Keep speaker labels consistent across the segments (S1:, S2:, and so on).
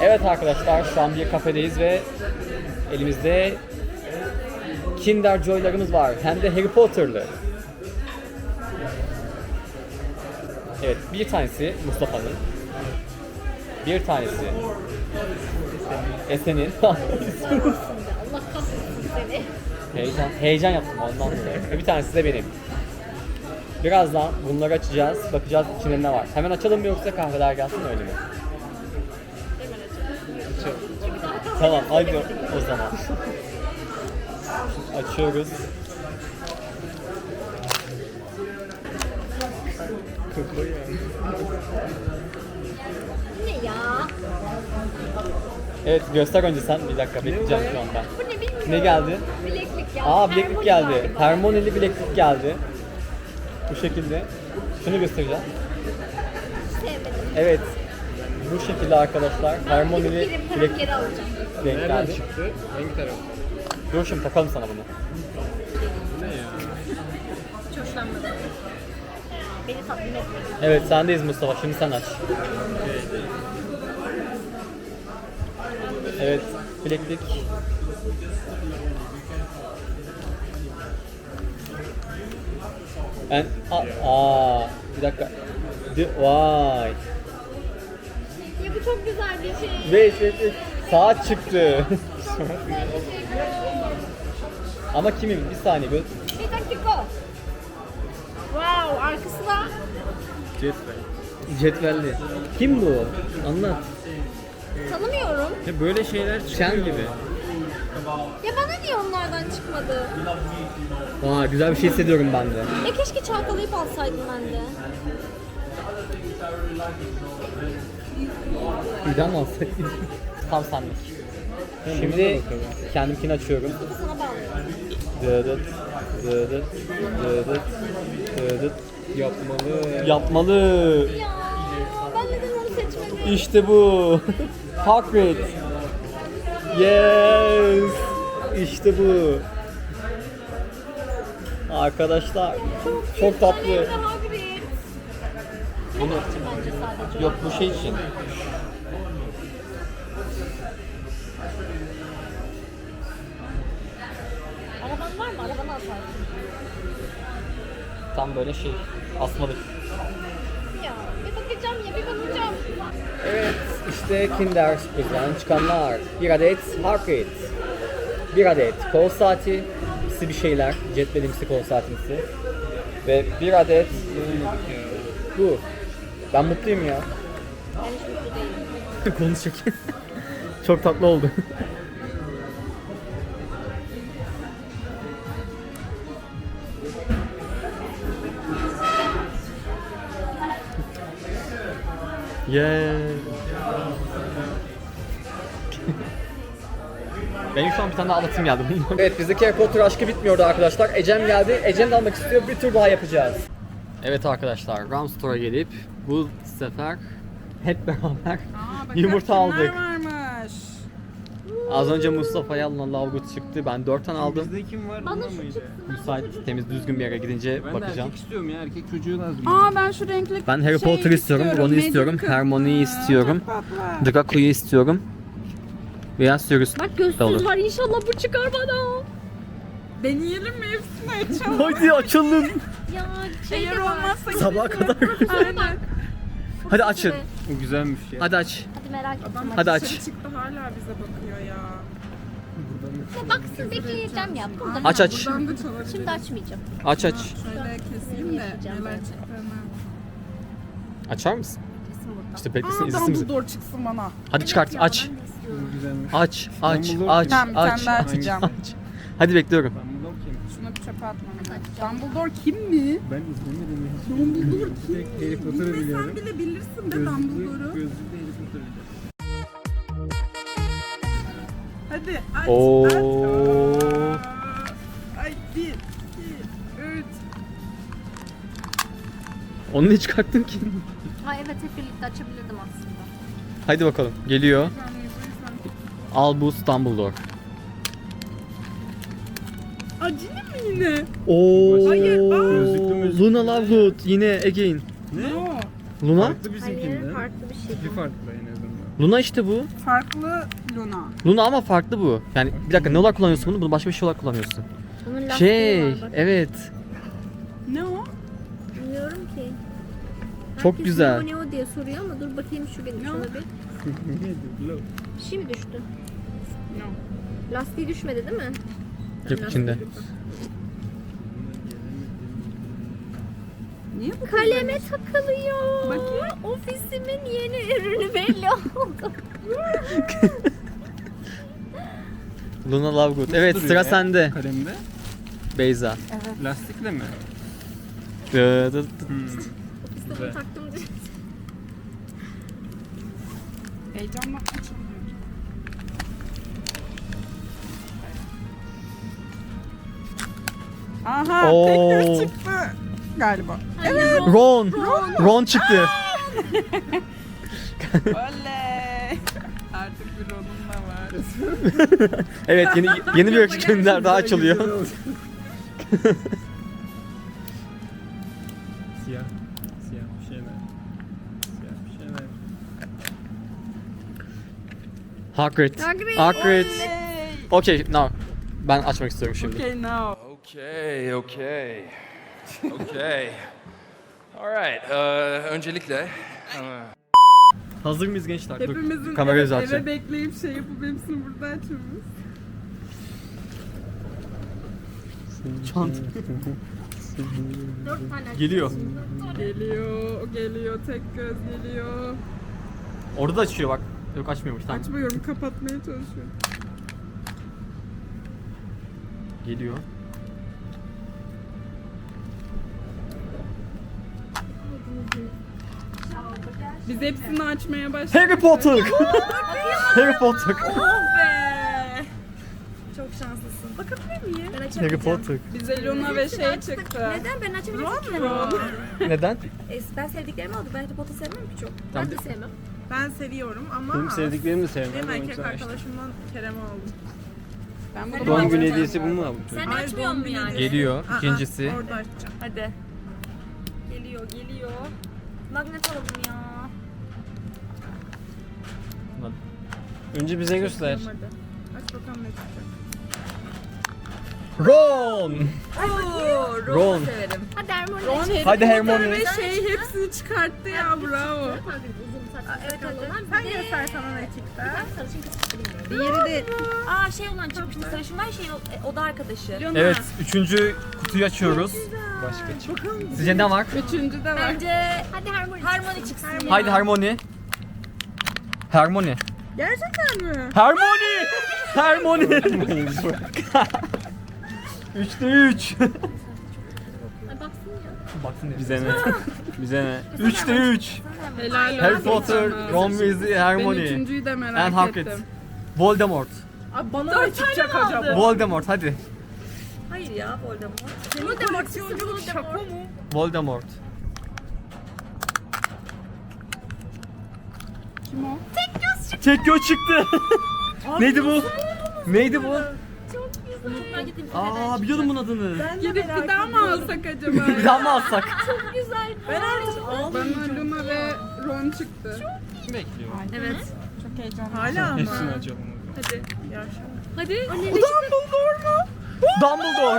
S1: Evet arkadaşlar, şu an bir kafedeyiz ve elimizde Kinder Joy'larımız var. Hem de Harry Potter'lı. Evet, bir tanesi Mustafa'nın. Bir tanesi Esen'in.
S2: Allah kahretsin seni.
S1: Heyecan yaptım ondan dolayı. Ve bir tanesi de benim. Birazdan bunları açacağız, bakacağız içinde ne var. Hemen açalım mı yoksa kahveler gelsin öyle mi? Tamam, hadi o zaman. Açıyoruz.
S2: Ne ya?
S1: Evet, göster önce sen. Bir dakika bekleyeceğim şu an ben.
S2: Bu ne bilmiyorum.
S1: Ne geldi?
S2: Bileklik ya.
S1: Aa, bileklik
S2: Harmony
S1: geldi.
S2: galiba.
S1: Harmony'li bileklik geldi. Bu şekilde. Şunu göstereceğim.
S2: Sevmedim.
S1: Evet. Bu şekilde arkadaşlar. Harmony'li
S2: Gidip paramı
S1: bileklik
S2: geri alacağım.
S1: denk
S3: Nereden
S1: geldi.
S3: çıktı? Hangi taraf?
S1: Dur şimdi takalım sana bunu.
S3: Ne ya?
S2: Hiç hoşlanmadım. Beni tatmin etmedi.
S1: Evet, sendeyiz Mustafa. Şimdi sen aç. Evet, bileklik. Bir dakika. Vay.
S2: Ya bu çok güzel bir şey.
S1: Wait. Saat çıktı.
S2: Çok güzel bir şey bu.
S1: Ama kimin? Bir saniye. Böyle...
S2: Bir dakika. Wow, arkası da
S3: Cetvel.
S1: Cetvelli. Kim bu? Anlat.
S2: tanımıyorum.
S3: Ya böyle şeyler çıkıyor.
S1: Şen gibi.
S2: Ya bana niye onlardan çıkmadı?
S1: Aa, güzel bir şey hissediyorum ben de.
S2: Ya keşke çalkalayıp alsaydım ben de.
S1: Birden mi alsak? Tam senlik. Şimdi kendimkini açıyorum.
S2: Bir sana bağlıyorum.
S1: Dıdıt, dıdıt, dıdıt, dıdıt.
S3: Yapmalı.
S1: Yapmalı.
S2: Ya ben neden onu seçmedim?
S1: İşte bu. Hagrid. Yes. İşte bu. Arkadaşlar çok tatlı.
S2: Hayır, Hagrid.
S1: Bunu
S2: Bence sadece.
S1: yok, bu şey için.
S2: Araban var mı? Arabanı atarsın.
S1: Tam böyle şey asmalık.
S2: Ya bir bakacağım ya bir bakacağım.
S1: Evet, işte Kinder sürprizden çıkanlar. Bir adet Hagrid. Bir adet kol saati. Bir şeyler. Cetvelimsi kol saatimsi. Ve bir adet bu. Ben mutluyum ya.
S2: Ben hiç mutlu değilim.
S1: Konuşacak. Çok tatlı oldu. Yeah. Benim şu an bir tane daha anlatım geldi. Evet, bizdeki Harry Potter aşkı bitmiyordu arkadaşlar. Ecem geldi. Ecem de almak istiyor. Bir tur daha yapacağız. Evet arkadaşlar, Ram Store'a gelip bu sefer hep beraber yumurta aldık.
S4: Varmış.
S1: Az önce Mustafa'ya alınan lavgut çıktı. Ben 4 tane aldım.
S3: Bizde kim var?
S2: Bana
S3: Bunda
S2: şu
S3: mıydı?
S2: çıksın.
S1: Müsait, temiz, düzgün bir yere gidince
S3: Ben de
S1: bakacağım.
S3: erkek istiyorum ya. Erkek çocuğu lazım.
S4: Aa ben şu renkli
S1: Ben Harry
S4: şeyi
S1: Potter istiyorum, Ron'u istiyorum,
S4: Magic
S1: Hermione'yi
S4: kızı.
S1: istiyorum,
S4: Çok tatlı.
S1: Draco'yu istiyorum. Beyaz Sirius
S2: Bak
S1: da olur.
S2: gözsüz var, inşallah bu çıkar bana.
S4: Deneyelim mi? Hepsini açalım.
S1: Hadi açalım.
S2: Ya şey
S4: Eğer
S2: de var.
S4: olmazsa
S1: Sabaha kadar.
S4: Aynen.
S1: Hadi açın.
S3: Bu güzelmiş ya.
S1: Hadi aç.
S2: Hadi merak etme.
S4: Adam
S1: Hadi
S4: dışarı
S1: aç.
S4: çıktı hala bize bakıyor ya.
S2: Ya baksın bekleyeceğim ya. Burada
S1: Aç aç.
S4: Buradan da çalabilir.
S2: Şimdi açmayacağım.
S1: Aç aç.
S4: Şöyle keseyim de neler çıktığını.
S1: Açar mısın?
S2: Kesin burada.
S1: İşte beklesin,
S4: Aa
S1: izlesin bizi.
S4: Dumbledore çıksın bana.
S1: Hadi çıkart,
S2: Ya,
S1: aç.
S2: ben de istiyorum.
S3: Bu güzelmiş.
S1: Aç, aç,
S3: Dumbledore
S1: aç,
S3: kim?
S4: Tamam, bir tane
S1: aç,
S4: daha
S1: aç,
S4: açacağım.
S1: aç. Hadi bekliyorum.
S3: Ben bunu okuyayım.
S4: Şunu bir çöpe atmam lazım. Dumbledore kim mi?
S3: Ben izlemedim hiç.
S4: Dumbledore kim?
S3: Tek Harry Potter'ı
S4: Ve
S3: biliyorum.
S4: sen bile bilirsin de
S3: Gözlüklü
S4: Dumbledore'u.
S3: Harry Potter'ı biliyorum.
S4: Hadi aç
S1: Oo.
S4: aç. Aa. Ay 1, 2, 3.
S1: Onu ne çıkarttın ki?
S2: Ha evet, hep birlikte açabilirdim aslında.
S1: Hadi bakalım. Geliyor. Albus Dumbledore.
S4: Acili mi yine?
S1: Oo.
S4: Hayır,
S3: Gözlüklü mü?
S1: Luna Lovegood yine again.
S3: Ne?
S4: No.
S1: Luna?
S3: Farklı bizimkinden.
S2: Hayır, farklı bir şey.
S3: Tipi farklı en azından.
S1: Luna işte bu.
S4: Farklı Luna.
S1: Luna ama farklı bu. Yani bir dakika ne olarak kullanıyorsun bunu? Bunu başka bir şey olarak kullanıyorsun.
S2: Bunun lastiği
S1: Şey,
S2: var bak.
S1: evet.
S4: Ne o?
S2: Bilmiyorum ki.
S1: Çok
S2: Herkes
S1: güzel.
S2: Ne o diye soruyor ama dur bakayım şu benim
S4: Ne o?
S2: şuna bir. Bir şey mi düştü?
S4: No.
S2: Lastiği düşmedi değil mi?
S1: Yok içinde.
S4: Niye bu
S2: Kaleme takılıyor.
S4: Bakayım.
S2: Ofisimin yeni ürünü belli oldu.
S1: Luna Lovegood. Evet
S3: Duruyor
S1: sıra
S3: ya
S1: sende.
S3: Kalemde.
S1: Beyza.
S3: Lastikle mi?
S1: Dı dı dı.
S2: Ofiste bunu
S3: Güzel.
S2: taktım diye.
S4: Heyecanla açılmıyor. Aha
S1: Oo.
S4: tekrar çıktı galiba.
S1: Ron. Ron çıktı.
S4: Oley. Artık bir Ron'um da var.
S1: Evet yeni bir ölçekler daha açılıyor.
S3: Siyah. Siyah bir şeyler. Siyah bir şeyler.
S1: Hagrid.
S2: Hagrid.
S1: Hagrid.
S4: Oley.
S1: Okay, now. Ben açmak istiyorum şimdi.
S4: Okay now.
S5: Okay, okay. Okay. All right. Öncelikle
S1: Hazır mıyız gençler? Dur,
S4: Hepimizin
S1: kamerayı
S4: eve
S1: düzelteceğim.
S4: bekleyip şey yapıp hepsini burada açmamız.
S1: Çant.
S2: 4 tane
S1: Geliyor.
S4: Geliyor, tek göz geliyor.
S1: Orada da açıyor bak. Yok açmıyormuş tamam.
S4: Açmıyorum, kapatmaya çalışıyorum.
S1: Geliyor.
S4: Biz hepsini açmaya başladık.
S1: Harry Potter. Harry Potter.
S4: Oh be! Çok şanslısın. Bakabilir miyim?
S2: Ben
S1: Harry
S2: açamayacağım.
S1: Potter.
S4: Bize Luna ve şey çıktı.
S2: Neden? Ben açamayacağım ki.
S4: Ron.
S1: Neden?
S2: Ben sevdiklerimi aldım. Ben Harry Potter sevmem ki çok.
S1: Tamam.
S2: Ben de sevmem.
S4: Ben seviyorum ama
S3: Benim sevdiklerimi de sevmem.
S4: benim
S3: ama
S4: erkek
S3: güzel işte.
S4: arkadaşımdan Kerem'i aldım. Ben
S2: Sen
S4: bunu
S3: Doğum
S2: Doğum
S3: günü
S2: günü
S3: hediyesi bu mu abi?
S2: Sen
S4: Hayır,
S2: açmıyor
S4: doğum
S2: mu
S4: günü
S2: yani?
S4: hediyesi.
S1: Geliyor. İkincisi.
S4: Orada açacağım.
S2: Hadi. Geliyor. Magnet alalım ya.
S3: Önce bize göster.
S4: Hadi. Aç bakalım ne çıkacak.
S1: Ron.
S2: Oo,
S1: Ron.
S2: severim. Hadi Hermione.
S4: Ron Harry
S1: Hadi
S4: Potter
S1: Hermione.
S4: ve şey hepsini çıkarttı ya, bravo.
S2: Uzun saçlı
S4: Evet
S2: sakallı olan.
S4: hadi. Sen göster sana ne çıktı.
S2: Sarışın kız bilmiyorum.
S4: Diğeri de
S2: Aa şey olan çıkmıştı. Sarışın var şey o da arkadaşı.
S4: Luna.
S1: Evet, üçüncü kutuyu açıyoruz.
S3: Başka çık.
S1: Sizce ne var?
S4: Üçüncü de var.
S2: Bence hadi Harmony çıksın.
S1: Haydi Harmony. Harmony.
S4: Gerçekten mi?
S1: Harmony. Harmony. 3'te 3.
S2: Ay, baksın ya.
S1: Baksın diye.
S3: Bize ne? Bize ne?
S1: 3'te 3.
S4: Helal olsun.
S1: Harry Potter,
S4: sana.
S1: Ron Weasley,
S4: Ben
S1: Hermione.
S4: üçüncüyü de
S1: And
S4: merak
S1: Hagrid.
S4: ettim.
S1: Voldemort.
S4: Abi bana ne çıkacak acaba?
S1: Voldemort hadi.
S2: Hayır ya Voldemort.
S4: Voldemort yolculuk şaka mı?
S1: Voldemort.
S4: Kim o?
S1: Tek göz çıktı. Neydi bu? Neydi bu?
S2: Ben gideyim.
S1: Aa biliyordum bunun adını.
S4: Gidip bir daha mı alsak acaba?
S1: Bir daha mı alsak?
S2: Güzel.
S4: Bana Luna ve Ron çıktı.
S3: Kim bekliyor?
S2: Evet.
S4: Çok heyecanlı. Hala mı?
S3: Hepsini açalım.
S4: Hadi. Yavşak.
S2: Hadi.
S4: Dumbledore mu?
S1: Dumbledore.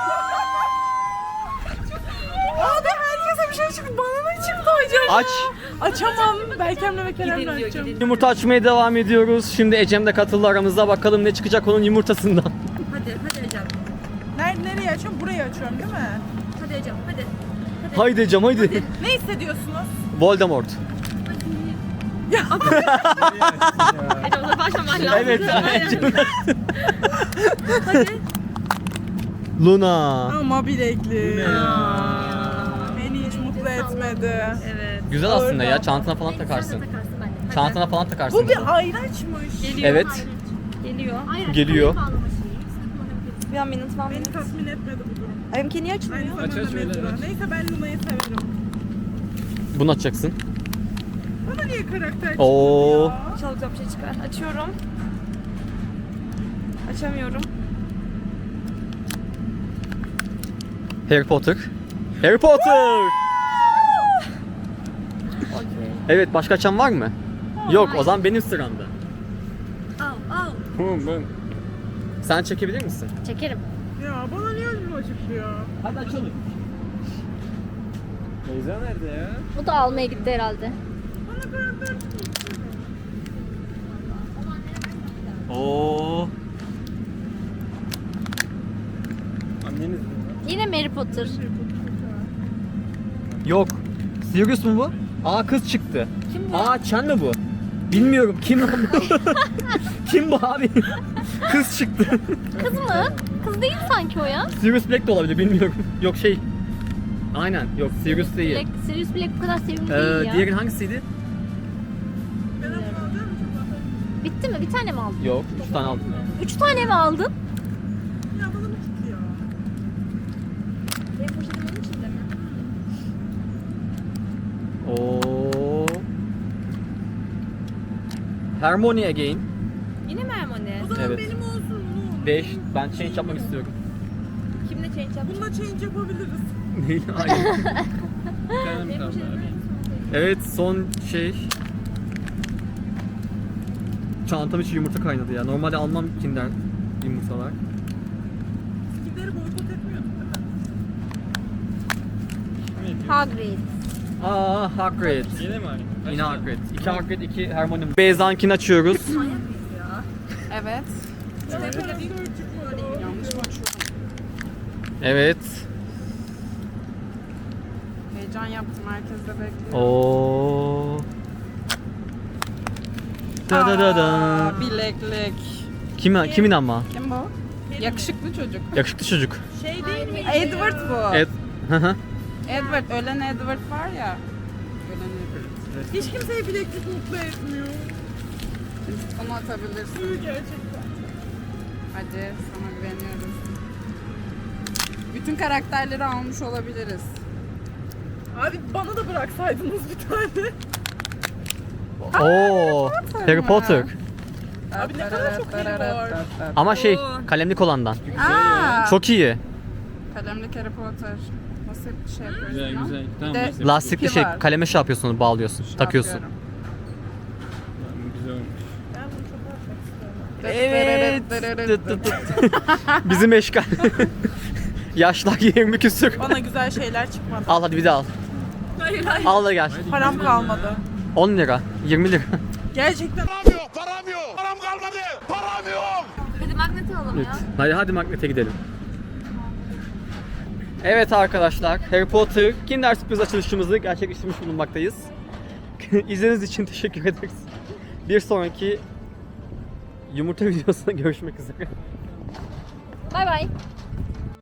S4: Abi herkese bir şey çıktı. Bana ne çıktı acaba?
S1: Aç.
S4: Açamam. Berkem'le ve Kerem'le açacağım.
S1: Yumurta açmaya devam ediyoruz. Şimdi Ecem de katıldı aramıza. Bakalım ne çıkacak onun yumurtasından.
S2: Hadi Ecem.
S4: Nereye açıyorum? Burayı açıyorum değil mi?
S2: Hadi Ecem hadi.
S1: Haydi Ecem haydi.
S4: Ne hissediyorsunuz?
S1: Voldemort.
S2: Ecem ona başlaman lazım.
S1: Evet. Ecem. Luna.
S4: Ama bilekli. Beni hiç mutlu etmedi.
S2: Evet.
S1: Güzel aslında ya. Çantana falan takarsın.
S2: Sen de takarsın bence. Hadi.
S1: Çantana falan takarsın.
S4: Bu bir ayraçmış.
S2: Geliyor.
S1: Evet.
S2: Geliyor. Hayır.
S1: Geliyor.
S2: Bir an minut falan.
S4: Beni tatmin etmedi bu durum.
S2: Benimki niye açılmıyor?
S4: Aynı zamanda
S3: aç, öyle
S4: mezura.
S3: aç.
S4: Neyse ben Luna'yı severim.
S1: Bunu açacaksın.
S4: Bana niye karakter çıktı
S1: Oo.
S4: ya?
S2: İnşallah güzel bir şey çıkar. Açıyorum. Açamıyorum.
S1: Harry Potter. Harry Potter.
S2: Okey.
S1: Evet başka açan var mı? Yok o zaman benim sıramda.
S4: Al.
S3: Ben.
S1: Sen çekebilir misin?
S2: Çekerim.
S4: Ya bana niye önüm acıktı ya?
S1: Hadi açalım.
S3: Beyza nerede ya?
S2: Bu da almaya gitti herhalde.
S4: Bana karakter
S1: Oo.
S3: Anneniz mi?
S2: Yine Harry Potter.
S1: Yok. Sirius mu bu? Aa kız çıktı. Kim bu? Aa Chen mi bu? Bilmiyorum kim bu? Kim bu abi? Kız çıktı.
S2: Kız mı? Kız değil sanki o ya.
S1: Sirius Black de olabilir bilmiyorum. Yok şey. Aynen yok Sirius değil.
S2: Black, Sirius Black bu kadar sevimli değil ya.
S1: Diğeri hangisiydi?
S4: Ben onu alacağım mı?
S2: Bitti mi? Bir tane mi aldın?
S1: Yok 3 tane aldım.
S2: 3 tane mi aldın?
S4: Ya bana mı çıktı ya? Benim poşetim onun içinde mi?
S1: Oo. Harmony again.
S4: Yine mi Hermione? O zaman
S1: Evet.
S4: benim olsun. Bunu.
S1: 5. Ben change yapmak istiyorum.
S4: Kimle change yapacağız? Bununla change yapabiliriz.
S1: Neyle? Aynen.
S3: Bir tane mi kaldı abi?
S1: Evet son şey. Çantam içi yumurta kaynadı ya. Normalde almam Kinder yumurtalar.
S4: Kimleri boykot etmiyorduk değil mi?
S2: Hagrid.
S1: Aa Hagrid.
S3: Yine mi abi?
S1: Yine Hagrid. 2 Hagrid, 2 Hermione. Beyza'nkini açıyoruz.
S6: Evet.
S4: Yanlış mı açıyorum?
S1: Evet.
S6: Heyecan yaptım. Herkes de bekliyor.
S1: Oo. Da da da da.
S6: Aa, bileklik.
S1: Kimin ama?
S6: Kim bu? Yakışıklı çocuk.
S1: Yakışıklı çocuk.
S4: Şey değil mi?
S6: Edward bu.
S1: Evet. Hı hı.
S6: Edward. Ölen Edward var ya. Ölen Edward.
S4: Hiç kimseyi bileklik mutlu etmiyor.
S6: Onu atabilirsin.
S4: Gerçekten.
S6: Hadi sana güveniyoruz. Bütün karakterleri almış olabiliriz.
S4: Abi bana da bıraksaydınız bir tane.
S1: Oo. Harry Potter.
S4: Abi ne kadar çok Harry var.
S1: Ama şey
S4: Oo.
S1: kalemlik olandan.
S6: Aa,
S1: Çok iyi.
S6: kalemlik Harry Potter. Nasıl bir şey yapıyorsun?
S3: Güzel
S6: ya?
S3: güzel. Tamam
S6: Bir de-
S3: neyse.
S1: Lastikli
S6: İpi
S1: şey
S6: var.
S1: kaleme şey yapıyorsun, bağlıyorsun,
S6: Şey
S1: takıyorsun.
S6: yapıyorum.
S3: Tamam, güzel olmuş.
S4: Ben bunu çok atmak istiyorum.
S1: Evet. Bizim eşkal. Yaşlar 20 küsür.
S4: Bana güzel şeyler çıkmadı.
S1: Al hadi bir de al.
S4: Hayır hayır.
S1: Al da gel.
S4: Param kalmadı.
S1: 10 lira, 20 lira.
S4: Gerçekten.
S2: Hadi magnet alalım ya.
S1: Hadi magnete gidelim. Evet arkadaşlar, Harry Potter Kinder sürpriz açılışımızı gerçekleştirmiş bulunmaktayız. İzlediğiniz için teşekkür ederiz. Bir sonraki yumurta videosunda görüşmek üzere.
S2: Bay bay.